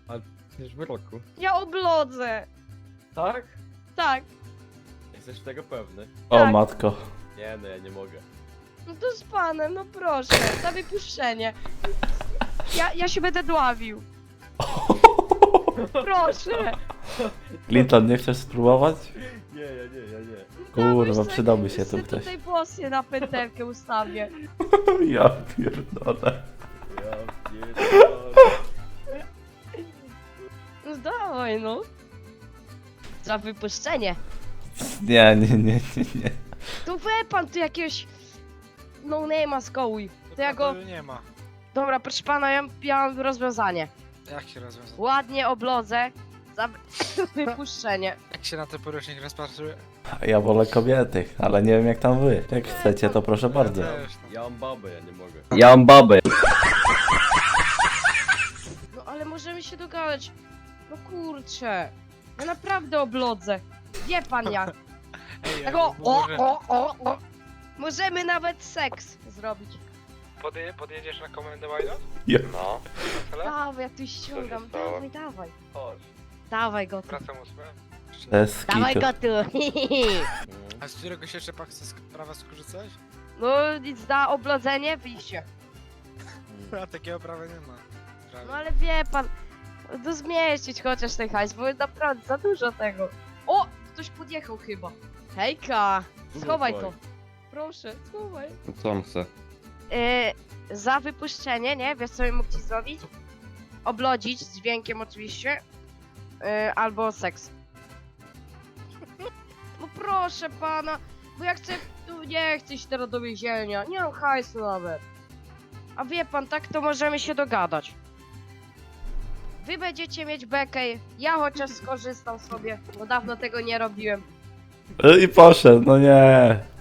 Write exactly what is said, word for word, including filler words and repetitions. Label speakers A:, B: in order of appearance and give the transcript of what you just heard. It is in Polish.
A: Ale przecież w roku.
B: Ja oblodzę.
A: Tak?
B: Tak.
A: Jesteś tego pewny?
C: O
B: Tak.
C: matko.
A: Nie, no ja nie mogę.
B: No to z panem, no proszę, za wypuszczenie. Ja, ja się będę dławił. Proszę.
C: Clinton, nie chcesz spróbować?
A: Nie, ja nie, ja nie.
C: Kurwa,
B: Dawaj,
C: przydałby
B: se-
C: się tu
B: se
C: ktoś.
B: tutaj włosy na pętelkę ustawię.
C: Ja pierdolę.
A: Ja pierdolę.
B: No dawaj, no. Za wypuszczenie.
C: Nie, nie, nie, nie, nie.
B: Tu we pan, tu jakiegoś... No name'a skołuj. To ja go...
D: Nie ma.
B: Dobra, proszę pana, ja, ja mam rozwiązanie.
D: Jak się rozwiąże?
B: Ładnie oblodzę. Za wy- wypuszczenie.
D: Jak się na ten porucznik rozpatruje?
C: Ja wolę kobiety, ale nie wiem jak tam wy. Jak chcecie, to proszę bardzo.
D: Ja też, no.
A: Ja mam babę, ja nie mogę.
E: Ja mam babę.
B: No ale możemy się dogadać. No kurczę. Ja naprawdę oblodzę. Wie pan jak.
D: Ej,
B: Tak
D: ja
B: o, o,
D: może
B: o, o, o. Możemy nawet seks zrobić.
D: podje, podjedziesz na komendę Wajdo?
C: Ja.
E: No,
B: Dawaj, ja tu ściągam.
E: stało?
B: Dawaj, dawaj.
A: Chodź.
B: Dawaj go tu.
D: Wracam ósmę.
C: To jest
B: Dawaj
C: skitu.
B: go tu.
D: A z którego się jeszcze pak z prawa skorzystałeś?
B: No nic da oblodzenie, wyjście.
D: A takiego prawa nie ma. Prawie.
B: No ale wie pan. No zmieścić chociaż ten hajs, bo naprawdę za dużo tego. O! Ktoś podjechał chyba. Hejka! Schowaj to. Proszę, schowaj.
E: co on chce?
B: Yy, za wypuszczenie, nie? Wiesz co bym mógł ci zrobić? Oblodzić, z dźwiękiem oczywiście. Yy, albo seks. No proszę pana, bo ja chcę... Tu nie chcę iść teraz do więzienia. Nie mam hajsu nawet. A wie pan, tak to możemy się dogadać. Wy będziecie mieć bekę, ja chociaż skorzystam sobie, bo dawno tego nie robiłem.
C: I poszedł, no nie.